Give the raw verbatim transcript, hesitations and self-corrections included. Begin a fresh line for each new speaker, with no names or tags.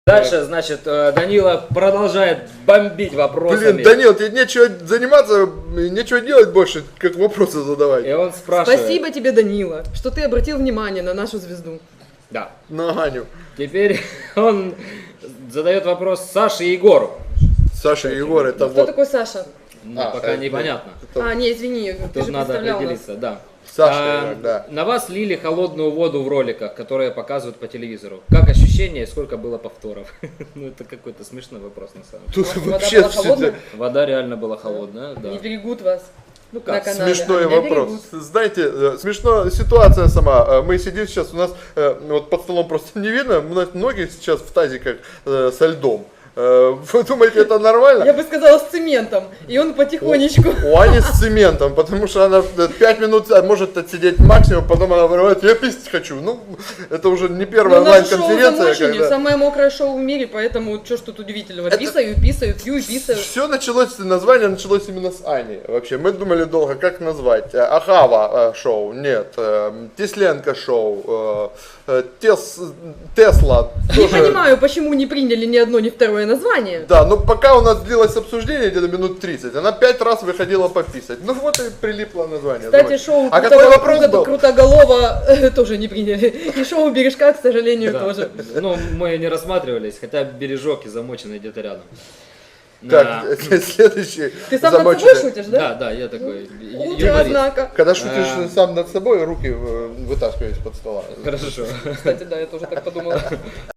Дальше, значит, э, Данила продолжает бомбить вопросами.
Блин, Данил, тебе нечего заниматься, нечего делать больше, как вопросы задавать.
И он спрашивает.
Спасибо тебе, Данила, что ты обратил внимание на нашу звезду.
Да.
На Ганю.
Теперь он задает вопрос Саше и Егору.
Саша и Егор, это
Кто
вот.
такой Саша?
Ну,
А,
пока
это-
непонятно.
это
А, не, извини, ты
Тут
же
надо
представлял нас.
определиться, да.
Саша,
А,
да.
На вас лили холодную воду в роликах, которые показывают по телевизору. Как ощущение и сколько было повторов? Ну, это какой-то смешной вопрос на самом деле.
Тут
Вода
вообще
была холодная?
Вода реально была холодная, да.
Не берегут вас.
Ну
на
как,
канале.
смешной
А меня
вопрос.
берегут.
Знаете, э, смешно ситуация сама. Э, Мы сидим сейчас, у нас э, вот под столом просто не видно, у нас ноги сейчас в тазиках э, со льдом. Э, Вы думаете, это нормально?
Я бы сказала, с цементом. И он потихонечку.
У Ани с цементом, потому что она пять минут а, может отсидеть максимум, потом она говорит, я писать хочу. Ну, это уже не первая
Ну, наше шоу
онлайн-конференция.
замочение,
Когда...
самое мокрое шоу в мире, поэтому что ж тут удивительного?
Это-
Писаю, писаю, пью и писаю.
Все началось, название началось именно с Ани. Вообще, мы думали долго, как назвать. Э, Ахава э, шоу, нет. Э, Тесленко шоу. э, э, Тес, Тесла.
Не
тоже.
понимаю, почему не приняли ни одно, ни второе название.
Да, но пока у нас длилось обсуждение где-то минут тридцать, она пять раз выходила пописать. Ну вот и прилипло название.
Кстати,
Давай.
шоу
А
Круто-
какой вопрос
Круто-
был?
Крутоголова э, тоже не приняли. И шоу Бережка, к сожалению,
Да.
тоже.
Ну, мы не рассматривались, хотя бережок и замоченный где-то рядом.
Так,
Да.
следующий.
Ты сам над
замоченный.
собой шутишь,
Да,
да?
да, я такой ю-
Утро,
юморист.
однако.
Когда шутишь
А.
сам над собой, руки э, вытаскиваешь из-под стола.
Хорошо.
Кстати, да, я тоже так подумала.